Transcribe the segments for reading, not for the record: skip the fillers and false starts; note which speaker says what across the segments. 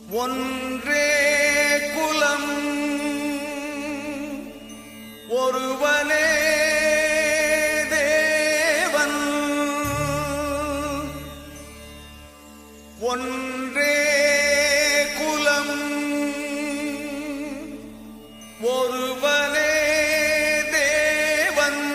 Speaker 1: ஒன்றே குலம் ஒருவனே தேவன் ஒன்றே குலம் ஒருவனே தேவன்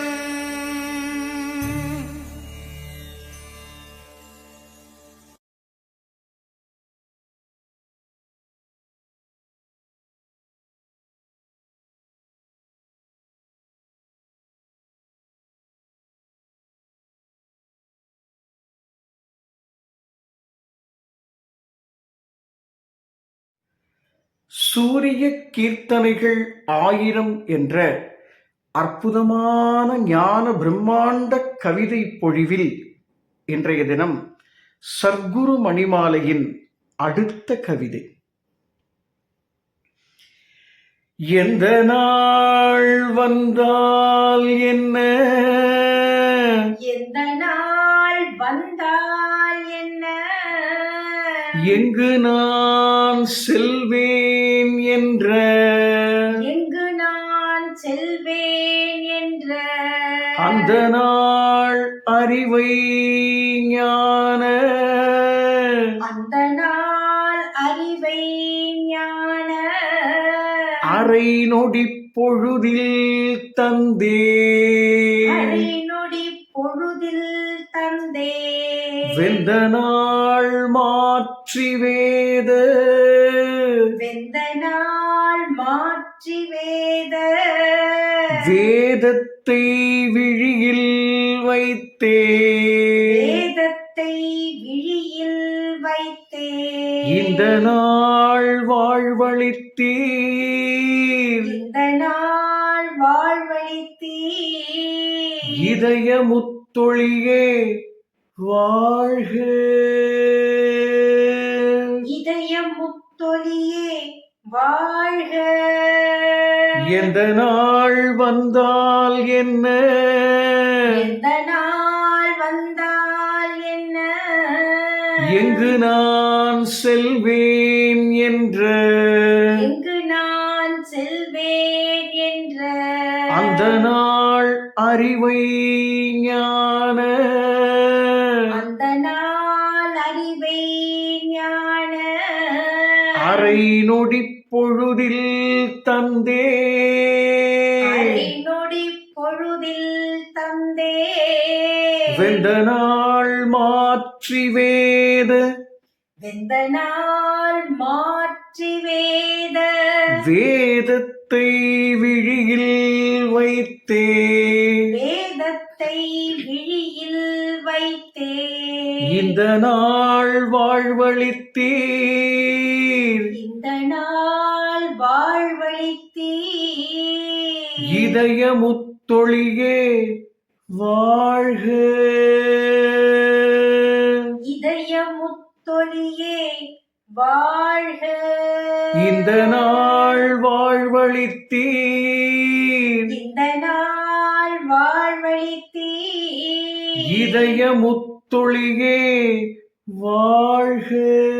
Speaker 2: சூரிய கீர்த்தனைகள் 1000 என்ற அற்புதமான ஞான பிரம்மாண்ட கவிதை பொழிவில் இன்றைய தினம் சர்க்குரு மணிமாலையின் அடுத்த கவிதை. எந்த நாள் வந்தால் என்ன,
Speaker 3: எந்த நாள் வந்தால் என்ன,
Speaker 2: எங்கு நான் செல்வேன் என்ற,
Speaker 3: எங்கு நான் செல்வேன் என்ற,
Speaker 2: அந்த நாள் அறிவை ஞான,
Speaker 3: அந்த நாள் அறிவை ஞான,
Speaker 2: அரை நொடி பொழுதில் தந்தே,
Speaker 3: அரை நொடி பொழுதில் தந்தே,
Speaker 2: வெந்த நாள் மாற்றி வேத,
Speaker 3: வெந்த நாள் மாற்றி வேத,
Speaker 2: வேதத்தை விழியில் வைத்தே,
Speaker 3: வேதத்தை விழியில் வைத்தே,
Speaker 2: இந்த நாள் வாழ்வளித்தீர்,
Speaker 3: இந்த நாள் வாழ்வளித்தீர்,
Speaker 2: இதய முத்தொழியே வாழ்க,
Speaker 3: இதய முத்தொழியே வாழ்க.
Speaker 2: எந்த நாள் வந்தால் என்ன,
Speaker 3: எந்த நாள் வந்தால் என்ன,
Speaker 2: எங்கு நான் செல்வேன் என்ற,
Speaker 3: எங்கு நான் செல்வேன் என்ற,
Speaker 2: அந்த நாள் அறிவை ஞான,
Speaker 3: அந்த நாள் அறிவை ஞான,
Speaker 2: அரை நொடி பொழுதில் தந்தே,
Speaker 3: அரை நொடி பொழுதில் தந்தே,
Speaker 2: வெந்த நாள் மாற்றி வேத,
Speaker 3: வெந்த நாள் மாற்றி வேத,
Speaker 2: வேதத்தை விழியில் வைத்தே,
Speaker 3: வேதத்தை விழியில் வைத்தே,
Speaker 2: இந்த நாள் வாழ்வளித்தீர்,
Speaker 3: இந்த நாள் வாழ்வளித்தீர்,
Speaker 2: இதய முத்தொழியே வாழ்க,
Speaker 3: இதய முத்தொழியே வாழ்க.
Speaker 2: இந்த நாள் வாழ்வளித்தீர்,
Speaker 3: இந்த நாள் வாழ்வளித்தீர்,
Speaker 2: இதய முத்தொழியே வாழ்க.